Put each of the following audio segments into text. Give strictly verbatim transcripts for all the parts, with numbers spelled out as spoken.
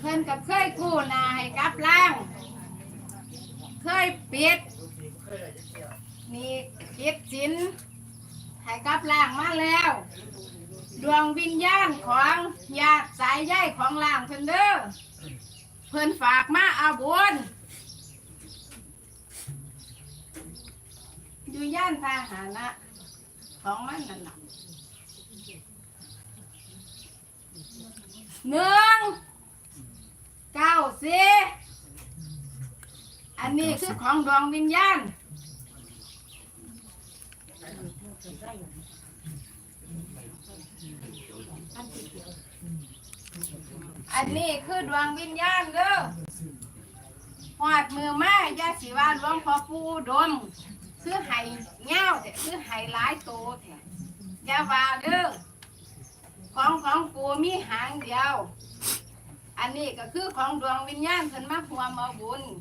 เพิ่นก็เคยกู้หนาให้กับล่างเคยปิดนี่ปิดสินให้กับล่างมาแล้วดวงวิญญาณของญาติสายใยของล่างเพิ่นเด้อเพิ่นฝากมาเอาบุญอยู่ย่านพาหนะของมันนั่นน่ะหนึ่งเก้าสี่อันนี้คือของดวงวิญญาณอันนี้คือดวงวิญญาณเด้อหอดมือมาญาสิว่าหลวงพ่อปู่ดมคือไห้เงาแต่คือไห้หลายโตแท้อย่าว่าเด้อของของปู่มีหางเดียวอันนี้ก็คือของดวงวิญญาณเพิ่นมาร่วมเอาบุญ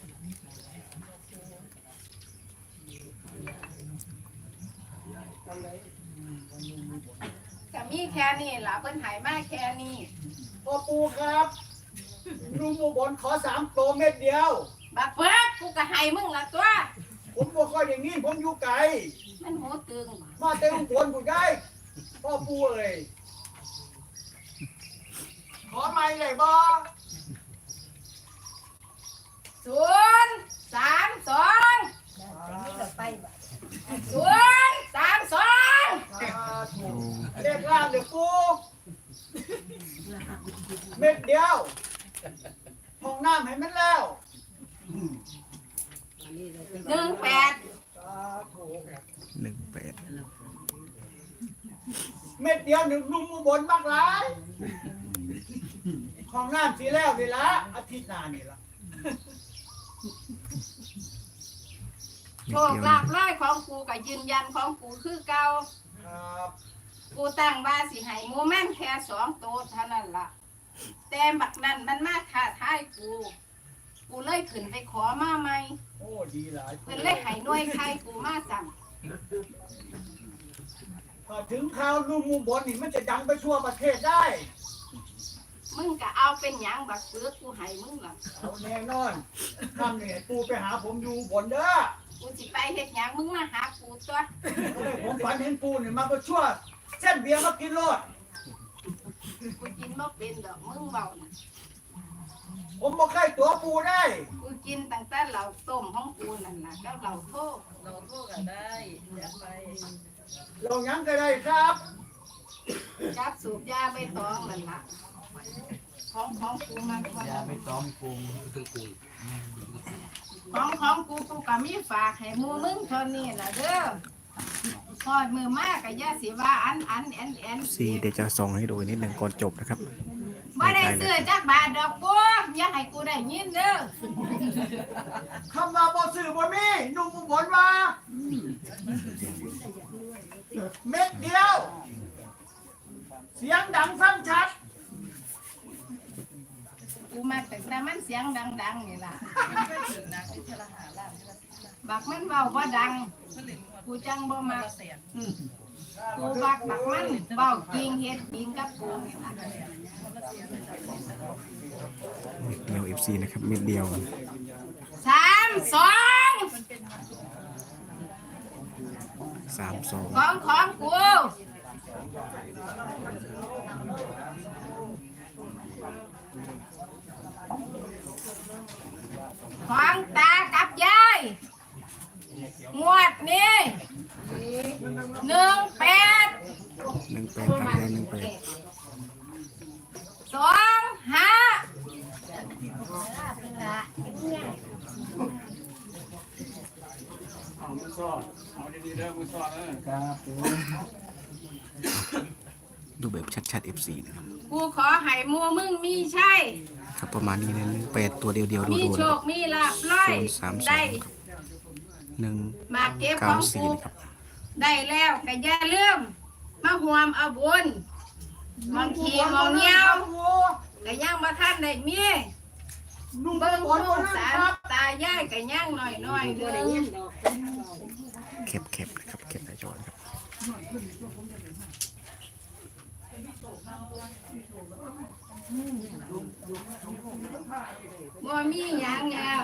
ก็มีแค่นี้ล่ะเพิ่นให้มาแค่นี้พ่อปู่ครับลุงอุบลขอสามโตเม็ดเดียวบักเบิกกูก็ให้มึงละตัวผมบ่ค่อยอย่างนี้ผมอยู่ไกลมันหูตึงมาเต็มคนกูได้พ่อปู่เอ้ยขอไม่เลยบ่ศูนย์สามสองศูนย์สามสองเรียกล่างเดี๋ยวปู่เม็ดเดียวห้องน้ำให้มันแล้วหนึ่งแปดหนึ่งแปดเม็ดเดียวหนึ่งลุงอุบลมากหลายห้องน้ำสีแล้วนี่ละอาทิตย์หน้านี่ละโชคลาภร้อยของกูกับยืนยันของกูคือเก่าครับกูตั้งว่าสิให้โมเมนต์แค่สองโตเท่านั้นล่ะแต่บักนั้นมันมาท้าทายกูกูเลยขึ้นไปขอมาใหม่โอ้ดีหลายเพิ่นเลยให้หน่วยใครกูมาสั่งพอถึงข่าวลุงอุบลนี่มันจะดังไปทั่วประเทศได้มึงก็เอาเป็นหยังบักเสือกูให้มึงล่ะเอาแน่นอนทำเนี่ยปูไปหาผมอยู่บนเด้อกูสิไปเฮ็ดหยังมึงมาหากูตัวผมฝันเห็นปูเนี่ยมาก็ชั่วเส้นเบียร์มากินโลดกูกินบ่เป็นดอกมึงเบาน่ะผมบ่เคยตัวปูได้กูกินตั้งแต่เหล้าต้มของกูนั่นน่ะก็เหล้าโทษเหล้าโทษก็ได้อยากไปเรายังก็ได้ครับจับสูบยาใบตองนั่นล่ะของของกูมันยาไม่ต้องปรุงคือกูของของกูกูก็มีฝากให้หมู่มึงเท่านี้ล่ะเด้อพอดมือมากก็อย่าสิว่าอันอันแอนแอนสี่เดี๋ยวจะส่งให้ดูนิดหนึ่งก่อนจบนะครับบ่ได้ซื้อจักบาทดอกบัวอย่าให้กูได้ยินเด้อคำว่าบ่ซื้อบ่มีนุ่มอุบลว่าเม็ดเดียวเสียงดังฟังชัดกูมาแต่แต่มันเสียงดังๆนี่ล่ะบักมันเบาบ่ดังกูจังบ่มากูบักบักมันเบาจริงเฮ็ดจริงกับกูนี่ล่ะเม็ดเดียว เอฟ ซี นะครับเม็ดเดียวสามสองสามสองของของกูของตากับยายงวดนี้หนึ่งแปดหนึ่งแปดครับหนึ่งแปดสองห้าเอามือซ้อนเอาดีๆเด้อมือซ้อนเออครับดูแบบชัดๆ เอฟ ซี นะครับกูขอให้มัวมึงมีใช่ครับประมาณนี้นะแปดตัวเดียวเดียวดูมีดูโชคมีลาภร้อยได้หนึ่งมาเก็บของกูได้แล้วก็อย่าลืมมาห่วมเอาบุญมองขี้มองเงี้ยวก็ยังมาท่านได้มีเบิ่งลูกสามตายายก็ยังหน่อยหน่อยเด้อเก็บเก็บนะครับเก็บในจอครับบ่มีหยังแล้ว